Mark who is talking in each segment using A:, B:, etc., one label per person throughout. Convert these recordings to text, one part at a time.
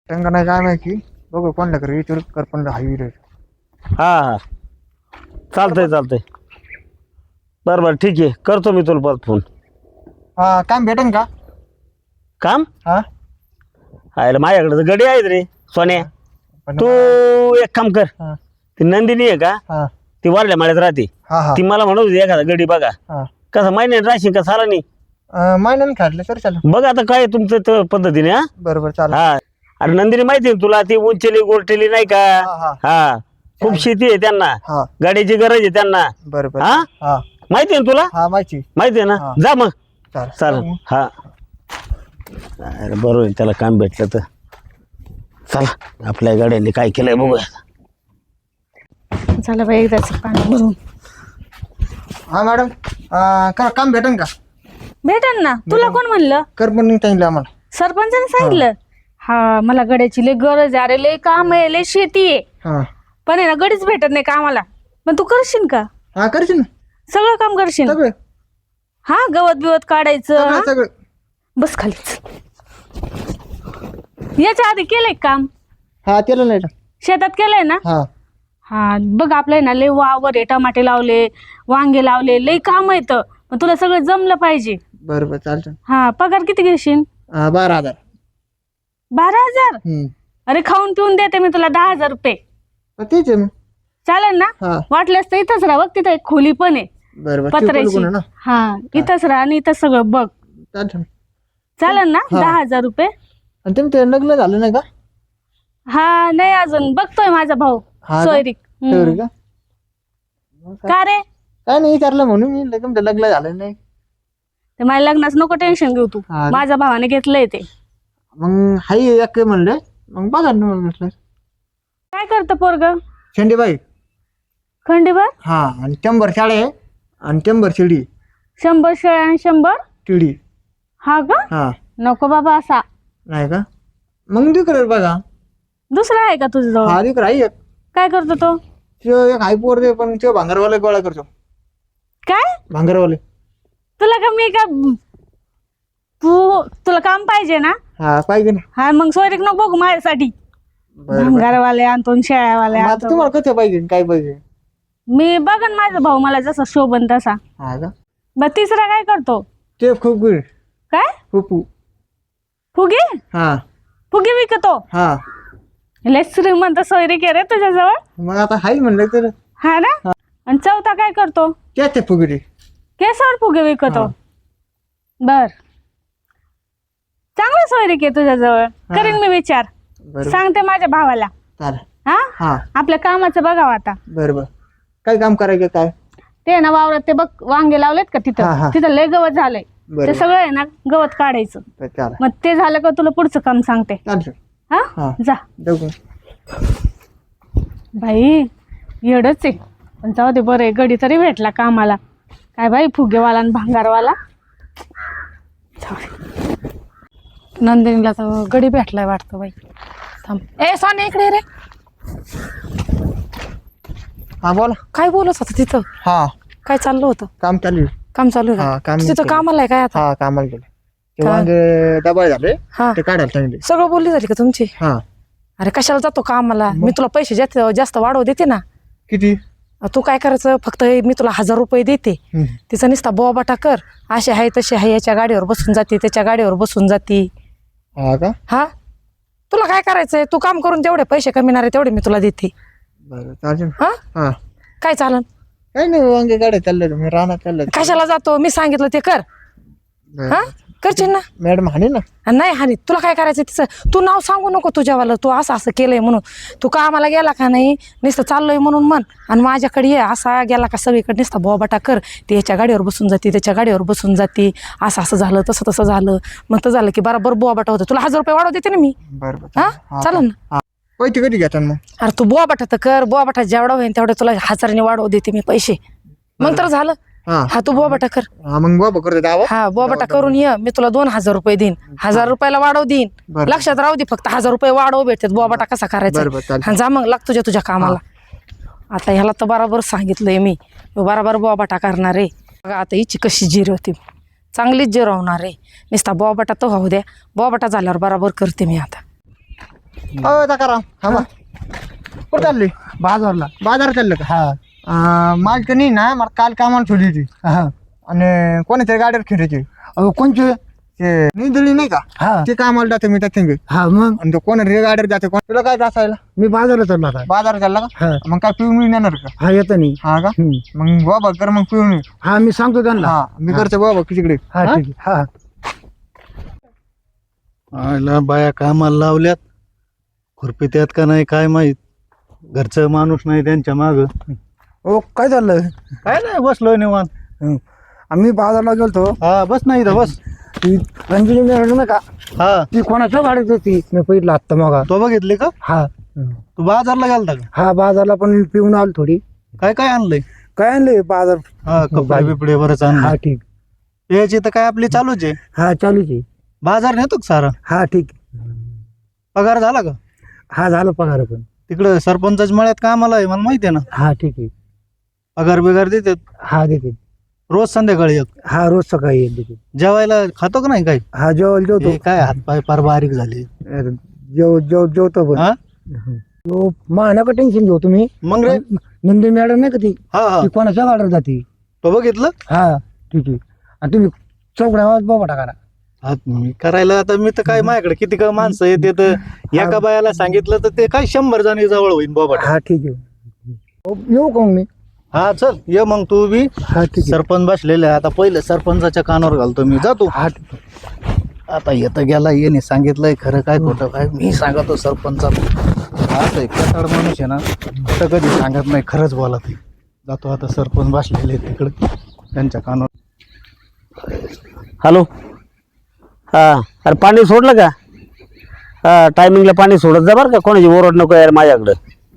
A: त्यांना नाही काय माहिती बघू कोणला कर विचार कर पण हायवे
B: हा हा चालतंय बरं ठीक आहे करतो मी तुला परत फोन.
A: हा काम भेटेन का?
B: काम
A: हा
B: आयला माझ्याकडे तर गडी आहेत रे सोन्या.
A: पण
B: तू एक काम कर,
A: हा
B: ती नंदिनी आहे का
A: हा
B: ती वारल्या माळ्यात राहते,
A: हा हा
B: ती मला म्हणत होती एखादा गडी बघा.
A: हा
B: कसं महिन्यात राहशील का साला नाही
A: महिन्याने काढलं तर चालेल.
B: बघ आता काय तुमचं त्या पद्धतीने. हा
A: बरोबर चालेल.
B: हा अरे नंदिनी माहिती आहे तुला, ती उंचेली गोरटेली नाही का.
A: हा
B: हा खूप शेती आहे त्यांना,
A: हा
B: गाडीची गरज आहे त्यांना.
A: बरोबर.
B: हा
A: हा
B: माहिती आहे ना तुला,
A: हा माहिती.
B: माहिती आहे ना.
A: हा.
B: जा मग
A: चालेल
B: चालेल. हा अरे बरोबर आहे, त्याला काम भेटलं तर चला आपल्या गाड्यांनी काय केलंय बघूया.
C: झालं बाई एकदाच पाणी भरून.
A: हा मॅडम काम भेटेन का?
C: भेटन ना. तुला कोण म्हणलं?
A: कर पण नाही सांगितलं आम्हाला.
C: सरपंचाने सांगितलं. हा मला गड्याची लय गरज आहे. अरे लय काम आहे, लय शेती आहे,
A: हा
C: पण आहे ना गडीच भेटत नाही कामाला. पण तू करशील का?
A: हा करशील ना
C: सगळं काम करशील?
A: सगळं
C: हा गवत बिवत काढायचं.
A: सगळं
C: हा?
A: सगळं.
C: बस खालीच. याच्या आधी केलंय का काम?
A: हा केलं नाही.
C: शेतात केलंय ना?
A: हा
C: हा बघ आपलं ना लय वावर आहे, टमाटे लावले, वांगे लावले, लय काम येतं. पण तुला सगळं जमलं पाहिजे.
A: बरोबर चालतं.
C: हा पगार किती घेशील?
A: 12,000.
C: 12,000? अरे खाऊन पिऊन देते मी तुला 10,000 रुपये.
A: तेच आहे मग.
C: चालेल ना?
A: हा
C: वाटल्यास तर इथंच राहा बघ, तिथं एक खोली पण आहे
A: बरोबर
C: पत्र्याची.
A: ना.
C: हा इथंच राहा आणि इथं सगळं बघ.
A: चालतं.
C: चालेल ना?
A: हा.
C: 10,000 रुपये.
A: आणि तुमचं लग्न झालं नाही का?
C: हा नाही अजून बघतोय माझा भाऊ
A: हा का?
C: सोयरीक.
A: तेवढी का?
C: का रे?
A: काय नाही विचारलं म्हणून मी तुमचं लग्न झालं नाही.
C: ते माझ्या लग्नाच नको टेन्शन घेऊ तू.
A: हा.
C: माझ्या भावाने घेतलंय ते.
A: मग हाई एक म्हणलं मग बघा ना मग म्हटलं.
C: काय करतं पोरग?
A: शेंडीबाई.
C: खंडीभर?
A: हा आणि 100 शाळे आहे आणि 100 शिडी
C: 100 शेळ्या आणि 100
A: टिडी.
C: हा का?
A: हा
C: नको बाबा असा.
A: नाही का? मग दिकर बघा.
C: दुसरा आहे का तुझं जवळ?
A: हा दिकर आहे एक.
C: काय करतो तो?
A: त्यो एक हाय पोर दे पण त्यो भांगरवाले गोळा करतो.
C: काय?
A: भांगरवाले.
C: तुला का मी का तुला काम पाहिजे ना?
A: हा पाहिजे ना.
C: हा मग सोयरीक नको बघू माझ्यासाठी. भंगारवाले आणतो शेळ्यावाले
A: मग आता
C: आणतो.
A: तुम्हाला कसं पाहिजे काय पाहिजे?
C: मी बघन माझा भाऊ मला जसा शोभन तसा.
A: हा का?
C: मग तिसरा काय करतो?
A: ते खूप गुड.
C: काय?
A: फुफू.
C: फुगे?
A: हा
C: फुगे विकतो?
A: हा
C: लय श्रीमंत सोयरीक आहे रे तुझ्याजवळ.
A: मग आता हाय म्हणलं तर
C: हा ना? आणि चौथा काय करतो?
A: त्याच फुगडी.
C: केसावर फुगे विकतो?
A: हा.
C: बर चांगलं सोयरीक आहे तुझ्याजवळ. करीन मी विचार.
A: बरोबर
C: सांगते माझ्या भावाला.
A: चालेल.
C: हा
A: हा
C: आपल्या कामाचं बघावं आता.
A: बरोबर. काय काम करायचं काय?
C: ते ना वावरात ते बघ वांगे लावलेत का
A: हा,
C: तिथं.
A: हा.
C: तिथं लय गवत झालंय.
A: बरोबर.
C: ते सगळं आहे ना गवत काढायचं.
A: चालेल
C: मग ते झालं का तुला पुढचं काम सांगते.
A: चालतं.
C: हा
A: हा
C: जा.
A: बघू.
C: बाई येडच आहे. पण जाऊ दे बरं आहे गडी तरी भेटला कामाला. काय बाई फुगेवाला आणि भांगारवाला. जाऊ दे. नंदिनीला तर गडी भेटलाय वाटतं बाई. थांब ए सोन्या इकडे रे.
A: हा बोला.
C: काय बोलत होतं तिथं?
A: हा
C: काय चाललं होतं?
A: काम चालू आहे.
C: काम चालू आहे
A: हा,
C: का?
A: काम
C: तू तिथं
A: चालू.
C: कामाला आहे काय आता?
A: हा कामाला गेले. ते
C: काय?
A: वांगे डबल झाले
C: हा
A: ते काढायला सांगितले.
C: सगळं बोलली झाली का तुमची?
A: हा
C: अरे कशाला जातो कामाला? मी तुला पैसे जास्त जास्त वाढव देते ना.
A: किती?
C: तू काय करायचं फक्त मी तुला 1,000 रुपये देते. तिचा नुसता बोबाटा कर. असे आहे तसे आहे, याच्या गाडीवर बसून जाते त्याच्या गाडीवर बसून जाते.
A: हा का?
C: हा तुला काय करायचंय? तू काम करून जेवढे पैसे कमिणारे तेवढे मी तुला देते.
A: बरं चालेल.
C: हा
A: हा
C: काय चालन?
A: काही नाही वांगे गाड्या चालले मी रानात चाललं.
C: कशाला जातो? मी सांगितलं ते कर. हा करशील ना?
A: मॅडम हाणे ना.
C: नाही हानी तुला काय करायचं तिचं? तू नाव सांगू नको तुझ्यावाला. तू असं असं केलंय म्हणून. तू कामाला गेला का नाही नुसतं चाललोय म्हणून म्हण. आणि माझ्याकडे ये असा गेला का सगळीकडे नुसता बोबाटा कर. ते याच्या गाडीवर बसून जाते त्याच्या गाडीवर बसून जाते. असं असं झालं तसं तसं झालं. मग तर झालं की बरोबर बोबाटा होतं. तुला 1,000 रुपये वाढव देते ना मी.
A: बरोबर
C: हा चालेल ना?
A: पैसे कधी घेतात मग?
C: अरे तू बोबाटा तर कर. बोबाटा जेवढा होईल तेवढे तुला 1,000 वाढव देते मी पैसे. मग तर झालं.
A: हा
C: हा तू बोबाटा कर.
A: हा मग बाबा करतो दावा.
C: हा बोबाटा करून ये. मी तुला 2,000 रुपये देईन. 1,000 रुपयाला वाढव देईन.
A: बरं.
C: लक्षात राहू दे फक्त 1,000 रुपये वाढव भेटतात. बोबाटा कसा करायचा?
A: बरोबर चालेल.
C: हा जा मग लाग तुझ्या कामाला. आता ह्याला तर बरोबर सांगितलंय मी. बरोबर बोबाटा करणार आहे. बघा आता हिची कशी जिरवते. चांगलीच जिरवणार आहे. नुसता बोबाटा तर होऊ द्या. बोबाटा झाल्यावर बरोबर करते मी आता.
A: हो सकाराम हा कुठं चालली
D: बाजारला.
A: बाजार चाललं का
D: हा
A: माझ तर नाही ना मला काल कामाला ठेवली होती
D: हा.
A: आणि कोणाच्या गाडीवर फिरायची
D: अहो कोणचे?
A: ते निंदली नाही का
D: हा
A: ते कामाला जाते मी त्या
D: हा मग
A: आणि तो कोणाच्या गाडीवर जाते कोण तुला काय असायला
D: मी बाजारला चाललो आता.
A: बाजार चालला का
D: हा
A: मग काय पिऊन मी नेणार का
D: हा येतो नाही.
A: हा का मग बाबा कर मग पिऊन ये.
D: हा मी सांगतो त्यांना.
A: हा मी करतो बाबा तिकडे
D: हा ठीक आहे. हा
E: आयला बाया कामाला लावल्यात, खुरपी त्यात का नाही काय माहित. घरचं माणूस नाही त्यांच्या माग.
D: ओ काय चाललं?
E: काय नाही बसलोय निवांत.
D: आम्ही बाजारला गेलतो.
E: हा बस नाही इथं बस.
D: ती रंजनी मॅडम नाही का,
E: हा
D: ती कोणाच्या गाडीत होती मी पहिला आत्ता मग.
E: तो बघितले का?
D: हा
E: तू बाजारला गेलता का?
D: हा बाजारला पण पिऊन आलो थोडी.
E: काय काय आणलंय?
D: काय आणले बाजार?
E: हा कपडे बिपडे बरंच
D: हा
E: आणलं.
D: ठीक.
E: याची तर काय आपली चालूच आहे.
D: हा चालूच आहे.
E: बाजार नेतो का सारा?
D: हा ठीक.
E: पगार झाला का?
D: हा झालं पगार पण.
E: तिकडं सरपंचाच्या मळ्यात कामाला आहे मला माहिती आहे ना.
D: हा ठीक आहे.
E: पगार बिगार देतात
D: हा देते.
E: रोज संध्याकाळी एक.
D: हा रोज सकाळी येत देते.
E: जेवायला खातो का नाही काय?
D: हा जेवायला जेवतो.
E: हे काय हातपाय फार बारीक झाले.
D: जेवतो पण.
E: हा
D: तो नका टेन्शन घेऊ तुम्ही.
E: मग रे?
D: नंदी मॅडम नाही का ती,
E: हा हा
D: ती कोणाच्या गाडीवर जाते.
E: तो बघितलं.
D: हा ठीक आहे. आणि तुम्ही चौकड्या आवाज बाबा टाका.
E: हा, मी करायला आता मी तर काय माझ्याकडे किती का माणसं येते तर एका बायाला सांगितलं तर ते काय 100 जणी जवळ होईल बाबा.
D: हा ठीक आहे. येऊ का मग मी?
E: हा चल ये मग तू बी.
D: हा ठीक आहे.
E: सरपंच बसलेले आहे. आता पहिले सरपंचाच्या कानावर घालतो मी. जातो
D: हा ठीक आहे.
E: आता येतं गेला येणे सांगितलंय खरं काय खोटं काय मी सांगतो सरपंचाला. असं एक कटाड माणूस आहे ना, तर कधी सांगत नाही, खरंच बोला ते. जातो आता सरपंच बसलेले आहेत तिकडे त्यांच्या कानावर.
B: हॅलो. हा अरे पाणी सोडलं का? हा टायमिंगला पाणी सोडत जा बरं का, कोणाची ओरड नको यार माझ्याकडं.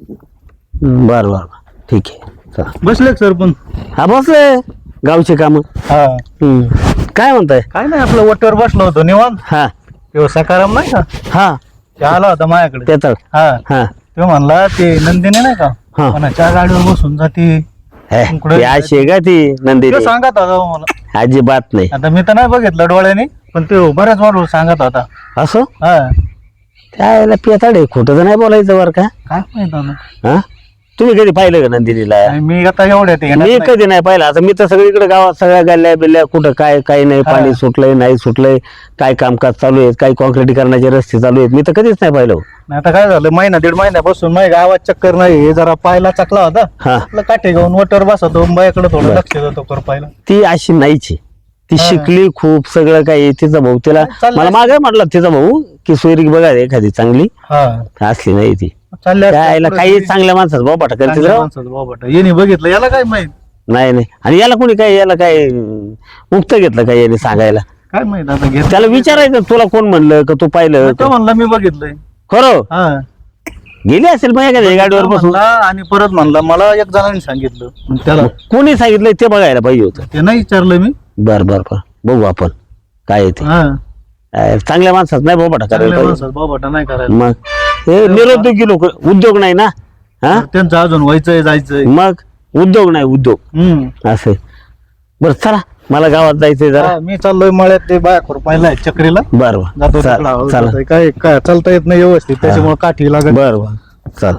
B: बरं बरं ठीक आहे चला.
E: बसले का सरपंच?
B: हा बसले गावचे कामं.
E: हा
B: काय म्हणताय?
E: काय नाही आपलं वट्यावर बसलो होतो निवांत.
B: हा
E: तेव्हा सकाराम नाही का,
B: हा
E: ते आला होता माझ्याकडे.
B: त्याच
E: हा
B: हा
E: तो म्हणला ते नंदिनी नाही का,
B: हा.
E: कोणाच्या गाडीवर बसून जाते.
B: ती अशी आहे का ती नंदिनी?
E: ते सांगत होता मला.
B: अजिबात नाही.
E: आता मी तर नाही बघितलं डोळ्याने, पण ते बऱ्याच वाढवून सांगत होता.
B: असं
E: हा
B: त्याला पेताड आहे, खोटं तर नाही बोलायचं बरं का.
E: काय माहित आता.
B: हा तुम्ही कधी पाहिलं का नंदिनीला?
E: आणि मी आता एवढ्या ते
B: मी कधी नाही पाहिलं. आता मी तर सगळीकडे गावात सगळ्या गल्ल्या बिल्ल्या कुठं काय काही नाही, पाणी सुटलंय नाही सुटलंय, काय कामकाज चालू आहे, काही कॉन्क्रिटीकरणाचे रस्ते चालू आहेत, मी तर कधीच नाही पाहिलं.
E: आता काय झालं, महिना दीड महिन्यापासून माझ्या गावात चक्कर नाही. हे जरा पायला चकला होता,
B: हा
E: आपलं काठे घेऊन वटर बसवतो, बायाकडे थोडं लक्ष देतो कर पायला.
B: ती अशी नाहीची. ती शिकली खूप सगळं काही. तिचा भाऊ तिला
E: चाललंय.
B: मला मागे म्हटलं तिचा भाऊ की सोयरी बघा एखादी चांगली
E: हा
B: असली नाही ती.
E: चालल्या
B: त्याला काही चांगल्या माणसाचं बाबा टाकायचं
E: येणे बघितलं याला काय माहित.
B: नाही नाही. आणि याला कोणी काय याला काय मुक्त घेतलं काय याने सांगायला?
E: काय माहित आता घेत.
B: त्याला विचारायचं तुला कोण म्हणलं का तू पाहिलं?
E: तो म्हणला मी बघितलंय.
B: खरं
E: हा
B: गेली असेल मग एखाद्या गाडीवर बसून.
E: म्हणला आणि परत म्हणला मला एक जणांनी सांगितलं. मग त्याला
B: कोणी सांगितलं ते बघायला पाहिजे होतं.
E: ते नाही विचारलं मी.
B: बर बर बर बघू आपण काय आहे ते.
E: हा
B: चांगल्या माणसात नाही बाबा टाकायला
E: चांगल्या
B: पाहिजे.
E: माणसात बाबाटा नाही करायला.
B: मग हे निरुद्योगी लोक उद्योग नाही ना. हा
E: त्यांचं अजून व्हायचंय जायचंय.
B: मग उद्योग नाही उद्योग असं. बरं चला मला गावात जायचंय जरा.
E: मी चाललोय मळ्यात ते बाया खुरपायला चक्रीला.
B: बर
E: जातो
B: बर
E: तिकडं.
B: चला.
E: काय काय चालता येत नाही व्यवस्थित, त्याच्यामुळे काठी लागत.
B: बर बर चल.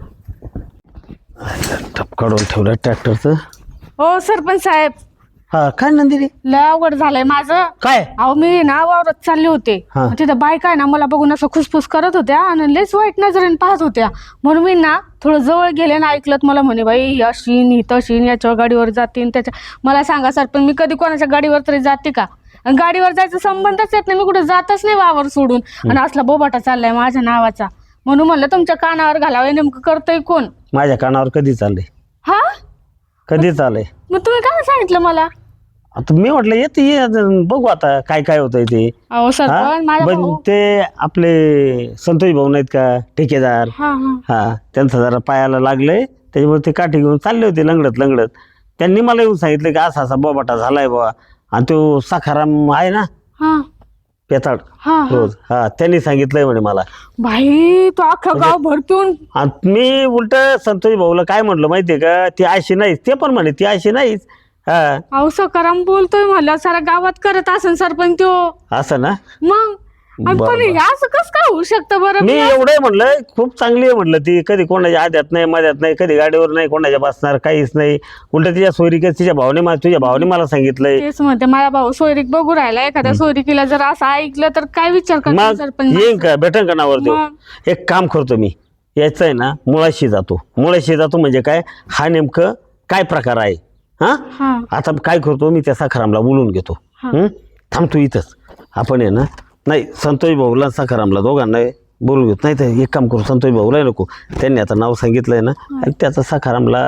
B: टप काढून ठेवलं ट्रॅक्टरचं.
C: हो सरपंच साहेब,
B: हा काय नंदिनी
C: लय अवघड झालंय माझं.
B: काय?
C: अहो मी ना वावरात चालले होते,
B: हा.
C: तिथं बायका आहे ना मला बघून असं खुसफुस करत होत्या आणि लयच वाईट नजरेने पाहत होत्या. म्हणून मी ना थोडं जवळ गेले ना, ऐकलं मला म्हणे बाई ही अशीन ही तशीन, याच्या गाडीवर जातीन त्याच्या. मला सांगा सरपंच, मी कधी कोणाच्या गाडीवर तरी जाते का? आणि गाडीवर जायचा संबंधच येत नाही, मी कुठे जातच नाही वावर सोडून. आणि असला बोबाटा चाललाय माझ्या नावाचा, म्हणून म्हणलं तुमच्या कानावर घालावं. नेमकं करतोय कोण?
B: माझ्या कानावर कधी चाललंय?
C: हा
B: कधी चाललंय?
C: मग तुम्ही काय सांगितलं मला?
B: आता मी म्हटलं येते ये बघू आता काय काय होतंय ते.
C: अहो सरपंच माझ्या
B: पण
C: भाऊ.
B: ते आपले संतोष भाऊ नाहीत का ठेकेदार,
C: हा हा
B: हा त्यांचं जरा पायाला लागलंय, त्याच्यामुळे ते काठी घेऊन चालले होते लंगडत लंगडत. त्यांनी मला येऊन सांगितलं की असा असा बोबाटा झालाय बाबा. आणि तो सखाराम आहे ना
C: हा
B: पेताड
C: हा हा.
B: रोज, हा त्यांनी सांगितलंय म्हणे मला.
C: भाई तो अख्खं गाव भरतून.
B: आणि मी उलट संतोष भाऊला काय म्हटलं माहितीये का, ती अशी नाहीच. ते पण म्हणे ती अशी नाहीच. हा
C: अहो सकाराम बोलतोय म्हणलं सारा गावात करत असेल सरपंच तो.
B: असं ना.
C: मग
F: पण हे असं कसं काय होऊ शकतं बरं?
B: मी एवढं म्हणलं खूप चांगली आहे म्हणलं ती, कधी कोणाच्या आद्यात नाही मध्यात नाही, कधी गाडीवर नाही कोणाच्या बसणार, काहीच नाही. उलट तिच्या सोयरिकेत तुझ्या भावाने मला सांगितलंय.
F: तेच म्हणते माझा भाऊ सोयरीक बघू राहिला, एखाद्या सोयरिकीला जर असं ऐकलं तर काय विचार करतो
B: मग
F: सरपंच?
B: येईन का भेटन का नावर देऊ?
F: मग.
B: एक काम करतो मी, यायचं आहे ना मुळाशी जातो म्हणजे काय हा नेमकं काय प्रकार आहे.
F: हा.
B: आता काय करतो मी त्या सखारामला बोलून घेतो. थांबतो इथंच आपण आहे ना. नाही संतोष भाऊला सखारामला दोघांना बोलून घेतो. नाही तर एक काम करू, संतोष भाऊला नको, त्यांनी आता नाव सांगितलंय ना आणि त्याचा सखारामला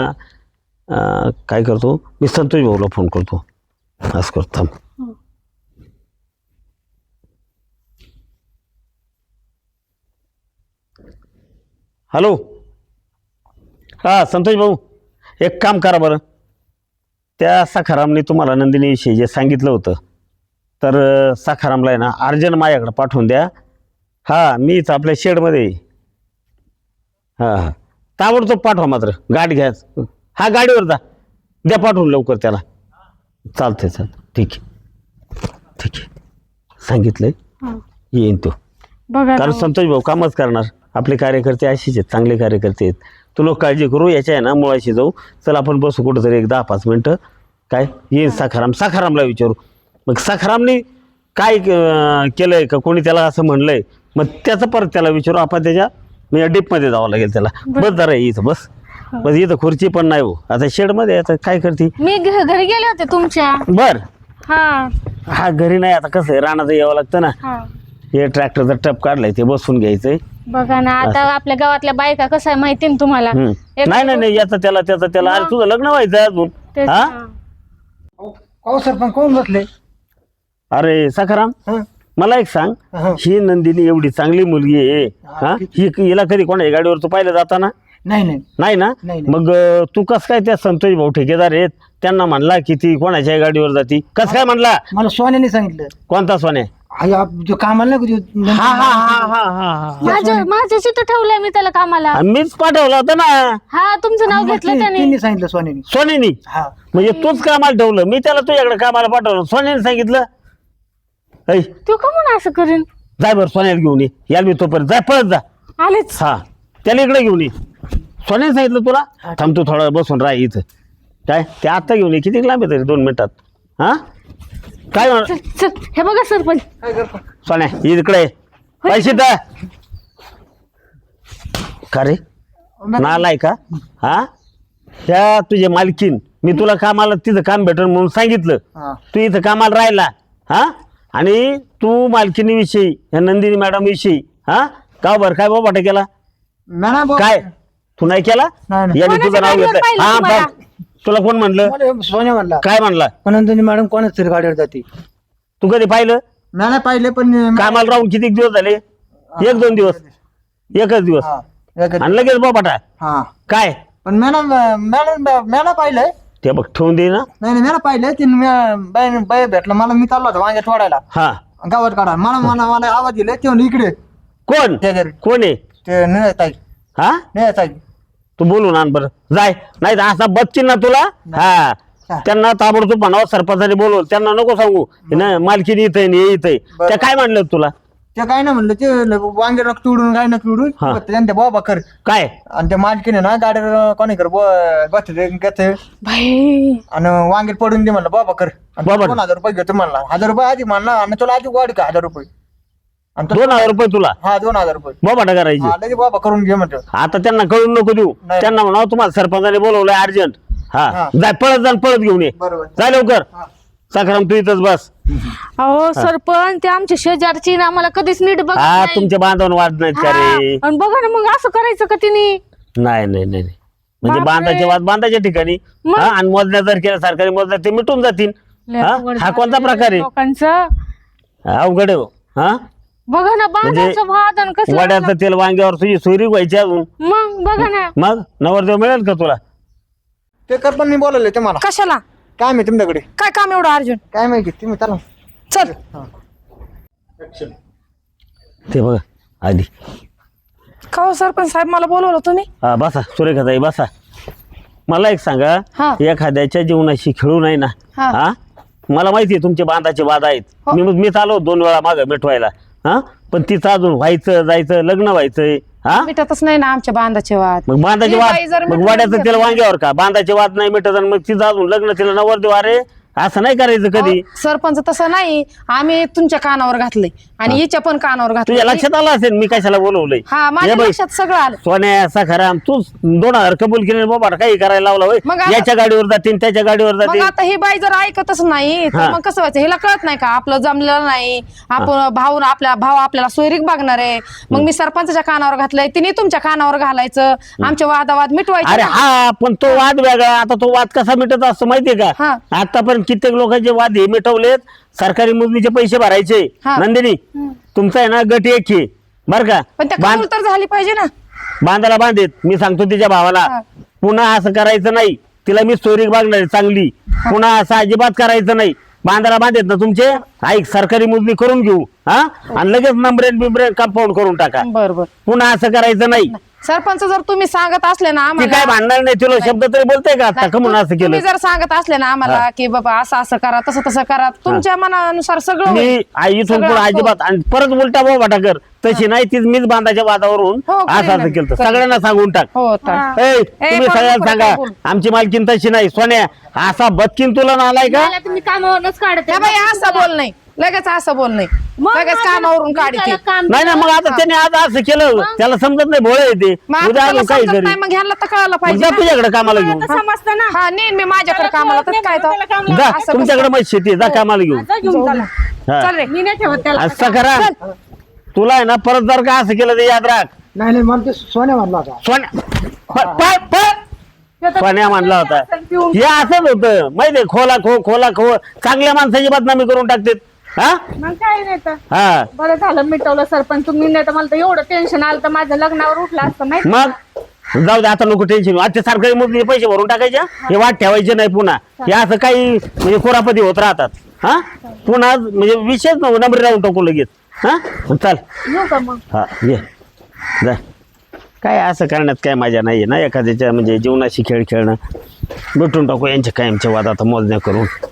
B: काय करतो मी, संतोष भाऊला फोन करतो. असं करतो थांब. हॅलो, हां संतोष भाऊ, एक काम करा बरं, त्या सखारामने तुम्हाला नंदिनीविषयी जे सांगितलं होतं तर सखारामला आहे ना अर्जंट माझ्याकडे पाठवून द्या. हां मीच आपल्या शेडमध्ये. हां ताबडतोब पाठवा, मात्र गाडी घ्या. हा गाडीवर जा, द्या पाठवून लवकर त्याला. चालतंय ठीक आहे सांगितलंय, येईन तो.
F: बघा
B: कारण संतोष भाऊ कामच करणार. आपले कार्यकर्ते असेच आहेत, चांगले कार्यकर्ते आहेत. तू लोक काळजी करू, याच्या आहे ना मुळाशी जाऊ. चल आपण बसू कुठंतरी एक 10-5 मिनटं. काय येईन सखारामला विचारू. मग सखारामने काय केलंय का, कोणी त्याला असं म्हणलंय, मग त्याचं परत त्याला विचारू आपण. त्याच्या म्हणजे डीपमध्ये जावं लागेल त्याला. बस जरा इथं बस इथं खुर्ची पण नाही हो आता शेडमध्ये. आता काय करते,
F: मी घरी गेले होते तुमच्या.
B: बर
F: हा
B: घरी नाही, आता कसं आहे रानाचं यावं लागतं ना. हे ट्रॅक्टरचा टप काढलाय ते बसून घ्यायचंय.
F: बघा ना आता आपल्या गावातल्या बायका कसं आहे माहिती ना तुम्हाला.
B: नाही याचं त्याला अरे तुझं लग्न व्हायचं अजून. हा
D: हो सरपंच कोण बसले?
B: अरे सखाराम, मला एक सांग, ही नंदिनी एवढी चांगली मुलगी आहे, हा हिला कधी कोणाच्या गाडीवर तू पाहिलं जाताना? नाही ना. मग तू कस काय त्या संतोष भाऊ ठेकेदार आहेत त्यांना म्हणला की ती कोणाच्या गाडीवर जाती? कस काय म्हणला?
D: मला सोन्याने सांगितलं.
B: कोणता सोन्या?
D: जो कामाला नाही
F: माझ्याशी तर ठेवलंय मी त्याला कामाला.
B: मीच पाठवला होता ना.
F: हा तुमचं नाव घेतलं त्याने.
D: त्यांनी सांगितलं सोन्याने.
B: हा म्हणजे तूच कामाला ठेवलं, मी त्याला तुझ्याकडे कामाला पाठवलं, सोन्याने सांगितलं.
F: तू का म्हणून असं करेन?
B: जाय बरं सोन्याला घेऊन ये. याल मी तोपर्यंत जाय, पळत जा.
F: आलेच.
B: हा त्याला इकडे घेऊन ये. सोन्याने सांगितलं तुला? थांब तू थोडा बसून राह इथं. काय ते आता घेऊन ये, किती लांब आहे तरी 2 मिनिटात. हा काय
F: चल हे बघा सरपंच,
B: सोन्या इकडे पैसे द्या. का रे नालाय का? हा त्या तुझे मालकीन मी तुला कामाला तिथं काम भेटल म्हणून सांगितलं, तू इथं कामाला राहिला. हा आणि तू मालकीनीविषयी या नंदिनी मॅडम विषयी का बरं काय बाबा केला? काय तू नाही केला? याने तुझं नाव घेतलं. हा तुला कोण म्हणलं?
D: सोन्या म्हणला.
B: काय म्हणला?
D: नंदिनी मॅडम कोणाच तरी गाडीवर जाते.
B: तू कधी पाहिलं?
A: नाही पाहिले, पण
B: कामाला राहून किती दिवस झाले? 1-2 दिवस, एकच दिवस आणि लगेच बाबाटा.
A: हा
B: काय
A: पण मॅडम पाहिलंय
B: ते बघ ठेवून दे ना.
A: नाही मॅडम पाहिलंय ते बाय भेटलं मला. मी चाललो होतो वांग्यात वाढायला,
B: हा
A: गावात काढा. मला आवाज दिले ते इकडे.
B: कोण कोण आहे
A: ते निळताई.
B: हा
A: निळताई
B: तू बोलून आण बरं, जाय. नाही तर असा बच्ची ना तुला. हा त्यांना ताबडतोब म्हणावं, सरपंचाने बोलव. त्यांना नको सांगू ना मालकीनी इथं येतंय. त्या काय म्हणलं तुला?
A: ते काय नाही म्हणलं, ते वांगे नक तोडून काय नक तोडून त्यांच्या बाबा कर
B: काय.
A: आणि त्या मालकीने ना गाडीवर कोणी कर घेते
F: भाई
A: आणि वांगे पडून दे म्हणलं बाबा कर. 2,000 रुपये घेतो म्हणला. 1,000 रुपये आधी म्हणला आणि तुला आधी वाढ का 1,000 रुपये.
B: 2,000 रुपये तुला?
A: हा 2,000 रुपये
B: बाबा करायची.
A: लगे बाबा करून घे म्हणतो.
B: आता त्यांना कळून नको देऊ. त्यांना म्हणावं तुम्हाला सरपंचाने बोलवलंय अर्जंट. हा जाय, पळत घेऊन ये.
A: बरोबर.
B: जाय लवकर. सखाराम तू इथंच बस.
F: अहो सरपंच ते आमच्या शेजारची ना आम्हाला कधीच नीट बघ.
B: हा तुमच्या बांधवान वाद नाहीत का रे?
F: आणि बघा ना मग असं करायचं का तिने?
B: नाही म्हणजे बांधाचे वाद बांधाच्या ठिकाणी. हा आणि मोजण्या जर केल्या सरकारी मोजण्या ते मिटून जातील. हा कोणता प्रकार आहे?
F: लोकांचं
B: अवघड आहे. हा
F: बघा ना बांधाचं वाद आणि कसं
B: वड्याचं तेल वांग्यावर तुझी सोयरी व्हायची अजून.
F: मग बघा ना.
B: मग नवरदेव मिळेल का तुला?
A: ते कर पण मी बोलवले ते मला.
C: कशाला?
A: काय माहिती तुमच्याकडे
C: काय काम एवढं अर्जुन?
A: काय माहिती तुम्ही चला.
C: चल
B: ते बघा आधी.
C: का हो सरपंच साहेब मला बोलवलं तुम्ही?
B: हा बसा सुरेखाताई बसा. मला एक सांगा, एखाद्याच्या जीवनाशी खेळू नाही ना. हा मला माहिती आहे तुमचे बांधाचे वाद आहेत. मी चालव 2 वेळा मागं मिटवायला. हा पण तिचं अजून व्हायचं जायचं लग्न व्हायचंय हा
C: मिटतच नाही ना आमच्या बांधाचे वाद.
B: मग बांधाचे
C: ही बाई जर
B: वाद मग
C: मिटवून
B: वाड्याचं
C: घेतलं
B: तिला वांग्यावर का बांधाचे वाद नाही मिटत आणि मग तिचं अजून लग्न तिला नवर देऊ अरे असं नाही करायचं कधी.
C: अहो, सरपंच तसं नाही, आम्ही तुमच्या कानावर घातलंय आणि हिच्या पण कानावर
B: तुझ्या
C: घातलंय.
B: लक्षात आलं असेल मी कशाला बोलवलंय.
C: हा माझ्या
B: हे बाई,
C: लक्षात सगळं आलं.
B: सोन्या सखाराम तू 2000 कबूल केले बाबा काही करायला लावला होय.
C: मग आता-
B: याच्या गाडीवर जातील त्याच्या गाडीवर
C: मग
B: जातील.
C: आता ही बाई जर ऐकतच नाही तर
B: हा.
C: मग कसं व्हायचं? हिला कळत नाही का आपलं जमलेलं नाही, आपण भाऊ आपल्याला सोयरीक बघणार आहे. मग मी सरपंचाच्या कानावर घातलंय, तिने तुमच्या कानावर घालायचं, आमचे वादावाद मिटवायचे.
B: अरे हा पण तो वाद वेगळा. आता तो वाद कसा मिटत असतो माहितीये
C: हा.
B: का आतापर्यंत कित्येक लोकांचे वाद हे मिटवलेत. सरकारी मोजणीचे पैसे भरायचे.
C: हा.
B: नंदिनी तुमचा आहे ना गट एक आहे बर का.
C: पण त्या कबूल तर झाली पाहिजे ना.
B: बांधाला बांधेत मी सांगतो तिच्या भावाला
C: हा.
B: पुन्हा असं करायचं नाही. तिला मी स्टोरी बघणार आहे चांगली. पुन्हा असं अजिबात करायचं नाही. बांधाला बांधेत ना तुमचे ऐक सरकारी मोजणी करून घेऊ हा आणि लगेच नंबरेन बिंबरेन कंपाऊंड करून टाका.
C: बरोबर.
B: पुन्हा असं करायचं नाही.
C: सरपंच जर तुम्ही सांगत असले ना
B: ती काय
C: आम्हाला,
B: भांडणार नाही. तुला शब्द तरी बोलते का आता कमून असं केलं.
C: तुम्ही जर सांगत असले ना आम्हाला की बाबा असं असं करा तसं तसं करा, तुमच्या मनानुसार सगळं
B: मी
C: होईल.
B: इथून
C: सगळं
B: पुढे
C: हो.
B: अजिबात आणि परत उलटा बोबाटा कर तशी नाही तीच मीच बांधाच्या वादावरून
C: हो, करेन
B: असं
C: ना.
B: असं केलं
C: करेन.
B: सगळ्यांना सांगून टाक.
C: हो तर.
B: ए, तुम्ही
C: पण
B: सगळ्यांना
C: नको
B: सांगा
C: काय बोलू.
B: आमची मालकीन तशी नाही. सोन्या असा बदकीन तुला नालाय का
F: मला तुम्ही कामावरूनच काढते.
C: त्या बाई असं बोल नाही, लगेच असं बोल नाही,
F: मग
C: लगेच
F: माझं-
C: कामावरून
F: मी
C: काढते.
F: त्याला काम
B: नाही ना मग आता त्याने आज असं केलं त्याला समजत नाही भोळ येते
C: मग आता
B: उद्या
C: त्याला
B: अजून काही
C: समजत
B: करी
C: नाही, मग ह्यांना तर कळायला पाहिजे
B: जा
C: ना.
B: तुझ्याकडे कामाला घेऊन
F: आता समजतं ना.
C: हा नेन मी माझ्याकडे कामाला तर काय तर.
B: जा
C: असं
B: तुमच्याकडे मग शेती आहे, जा कामाला घेऊन
F: जा घेऊन चला.
B: हा.
C: चल रे.
F: मी नाही ठेवत त्याला.
B: असं करा तुला आहे ना परत जर का असं केलं तर याद राख.
D: नाही नाही मला ते सोन्या म्हणला होता.
B: सोन्या म्हणला होता हे असंच होतं माहितीये खोला खो चांगल्या माणसाची बदनामी करून टाकतात हा
F: मग काय नाही तर
B: हा
F: बरं झालं मिटवलं सरपंच तुम्ही, नाही तर मला तर एवढं टेन्शन आलं तर माझं लग्नावर उठलं असतं माहिती.
B: मग जाऊ दे आता नको टेन्शन आता ते सरकारी मोजणी पैसे भरून टाकायच्या हे वाट ठेवायचे नाही पुन्हा हे असं काही म्हणजे कोरापती होत राहतात हा पुन्हा म्हणजे विशेष नंबर राहून टाकू लगेच हा चल
F: येऊ का मग?
B: हा ये जा काय असं करण्यात काय मजा नाही ना एखाद्याच्या म्हणजे जीवनाशी खेळ खेळणं भेटून टाकू यांच्या कायमच्या वाद आता मोजण्या करून